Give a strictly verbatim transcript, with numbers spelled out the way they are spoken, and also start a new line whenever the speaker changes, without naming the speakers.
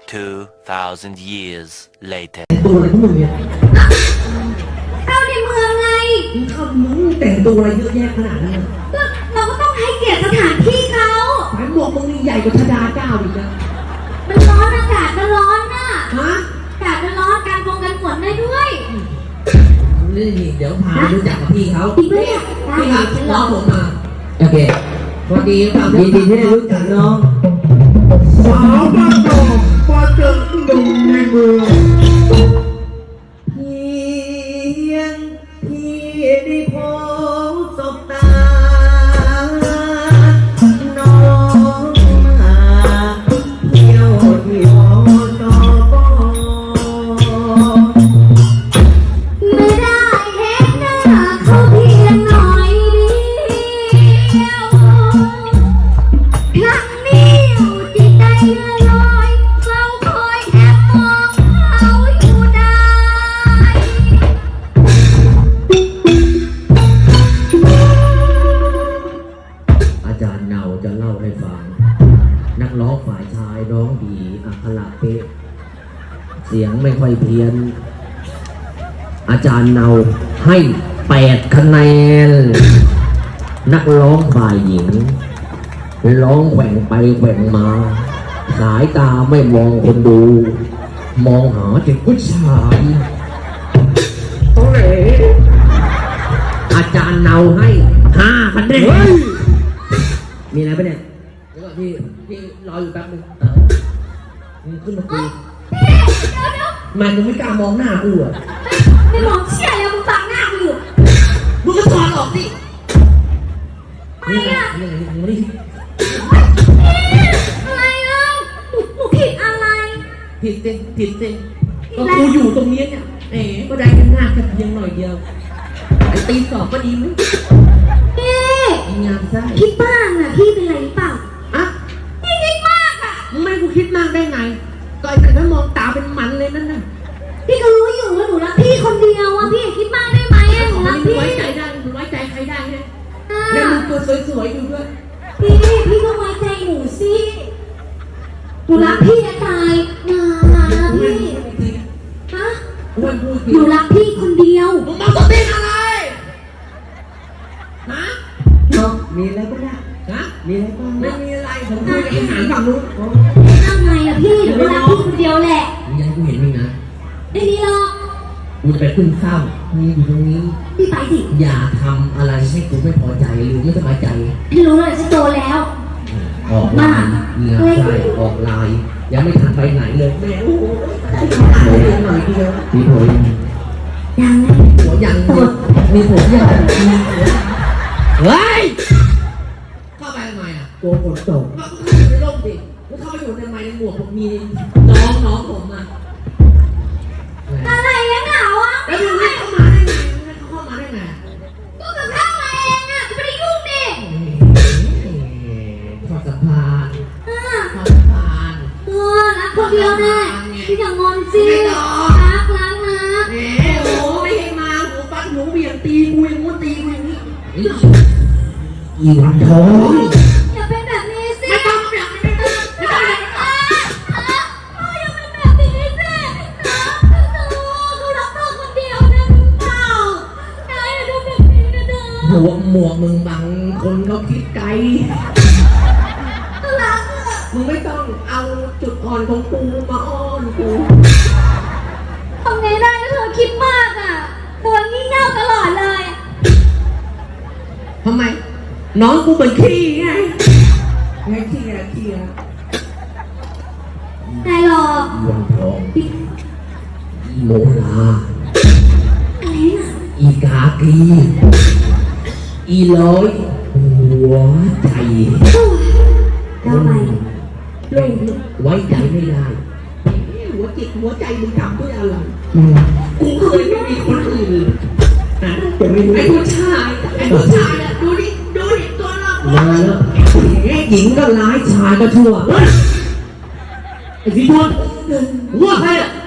two thousand years later
ตัวอะไรของมึงเนี่ย
เข้าในเมืองไง
มึงเข้ามึงแต่งตัวอะไรเยอะแยะขนาดนั้น
ก็เราก็ต้องให้เกียรติสถานที่เขา
แหมหมวกมึงนี่ใหญ่กว่าธดาเจ้าอีกนะ
มันร้อนอากาศมันร้อนน่ะ
ฮะ
อากาศมันร้อนการฟงกันฝนได้ด้วย
นี่เดี๋ยวพาไปรู้จักกับพี่เขา
จริงปะเนี่ย
พี่ครับ
ฉัน
น้
ร
อ
อง
ผมมาโอเคสวัสดีครับ
ยินดีที่ได้รู้จักน้อง
สาวบ้านนอกมาเจอหนุ่มในเมือง
เพียงพี่ได้พบสบตาน้องมาเที่ยวที่หอนอปอ
ไม่ได้เห็นหน้าเขาเพียงหน่อยเดียวครั้งนี้อยู่จิตใจเลื่อนลอยเราคอยแอบมองเขาอยู่ได้
อาจารย์เนาจะเล่าให้ฟัง นักร้องฝ่ายชายร้องดีอัคระเป๊ะเสียงไม่ค่อยเพี้ยน อาจารย์เนาให้แปดคะแนน นักร้องฝ่ายหญิง ร้องแขว่งไปแขว่งมา สายตาไม่มองคนดู มองหาแต่ผู้ชายโอ้ยอาจารย์เนาให้ห้าคะแนนมีอะไรปะเนี่ยเดี๋ยวก่อนพี่พี่รออยู่แป๊บนึงเออมึงขึ้นมาคุยมันมึงไม่กล้ามองหน้ากูอ่ะ
ไม่มองเชี่ยเลยมึงฟังหน้ากูอยู่
มึงก็ถอดออกสิ
อะไรอ่ะ
นี่ไงนี่ไงนี่ไง
อะไรอ่ะหนูหนูผิดอะไร
ผิดสิผิดสิก็กูอยู่ตรงนี้เนี่ยเอ๋ก็ได้แค่หน้าแค่เพียงหน่อยเดียวไอ้ตีสอบก็ดีไหม
พี่
อีงามไส้
คิดบ้างอ่ะพี่เป็นไรหรือเปล่า
อ่ะ
พี่คิดมากอ่ะ
มึงไม่ให้กูคิดมากได้ไงก็ไอ้แต่ถ้ามองตาเป็นมันเลยนั่นน่ะ
พี่ก็รู้อยู่ว่าหนูรักพี่คนเดียวอ่ะพี่อย่าคิดมากได้ไหมอ่ะหนูรัก
มึง
พี่
ไว้ใจได้มึงไว้ใจใครได้เนี่ย
อ่ะ
แล้วมึงตัวสวยๆอยู่ด้วย
พี่พี่ก็ไว้ใจหนูสิหนูรักพี่จะตายนะพี่ฮะ
อ้วนพูด
หนูรักพี่คนเดียว
มึงมาสติอะไรฮะ
น้องมีอะไรปะเนี่ย
ฮะ
มีอะไรบ้าง
ไม่มีอะไรผมคุยกับไอ้หางฝั่งนู้น
ทำไงอ่ะพี่หนูรักพี่คนเดียวแหละ
มึงอยังให้กูเห็นมึงนะ
ไม่มีหรอก
กูจะไปขึ้นเศร้ามึงอยู่ตรงนี้
พี่ไปสิ
อย่าทำอะไรให้กูไม่พอใจหรือไม่สบายใจ
พี่รู้เลยฉันโตแล้ว
ออกลายเงือใช่ออกลาย ยังไม่ทันไปไหนเลยแม่โอ้โหโอ้ยหน่อยเดียวมีผัวยัง
ยังไง
ผัวยังมีผัวยังเฮ้ยเข้าไปทำไมอ่ะ
กลัวฝนตก
ก็เข้าไปในร่มดิแล้วเข้าไปอยู่ในไม้ในหมวกผมมีน้องน้องผมมา
อะไรเนี่ยเหงาอ่ะ
แล้วมึงให้เข้ามาได้ไงมึงให้เขาเข้ามาได้ไง
ก็กับข้าวมาเองอ่ะจะไม่ได้ยุ่งดิ
ขอสัมภาษณ์
อ่า
ขอสัมภาษณ์
เออรักคนเดียวแน่พี่อย่างอนสิ
ไม่ต้อง
รักรักนะ
แหมโอ้ไม่ให้มาหูฟัดหูเบี่ยงตีกูอย่างงู้นตีกูอย่างนี้อีวันทอง
อย่าเป็นแบบนี้สิ
ไม่ต้องแบบนี้ไม่ต้องไม่ต้องแบบนี้
อ่ะอ่ะพ่ออย่าเป็นแบบนี้สินะหนูเขารักเธอคนเดียวนะหรือเปล่านายอย่าดูแบบนี้นะเด้
หม
อ
วกหมวกมึงบังคนเขาคิดไกล
รักอ่ะ
มึงไม่ต้องเอาจุดอ่อนของกูมาอ้อนกู
ทำไงได้ถ้าเธอคิดมากอ่ะเธองี่เง่าตลอดเลย
ทำไม น้องกูเป็นขี้ไงไงขี้อะไรขี้อะไร
นายหรอก
อีวันทองอีโมลา
อะไรน่ะ
อีกากีอีร้อยหัวใจ
แล้วไปลง
ไว้ใจไม่ได้หัวจิตหัวใจมึงทำด้วยอะไรกูเคยไม่มีคนอื่นนะไอ้ผู้ชายไอ้ผู้ชายอะดูดิดูดิตัวเรา
มาแล้วหญิงก็ร้ายชายก็ชั่ว
ไอ้สีบอลหัวใครอะ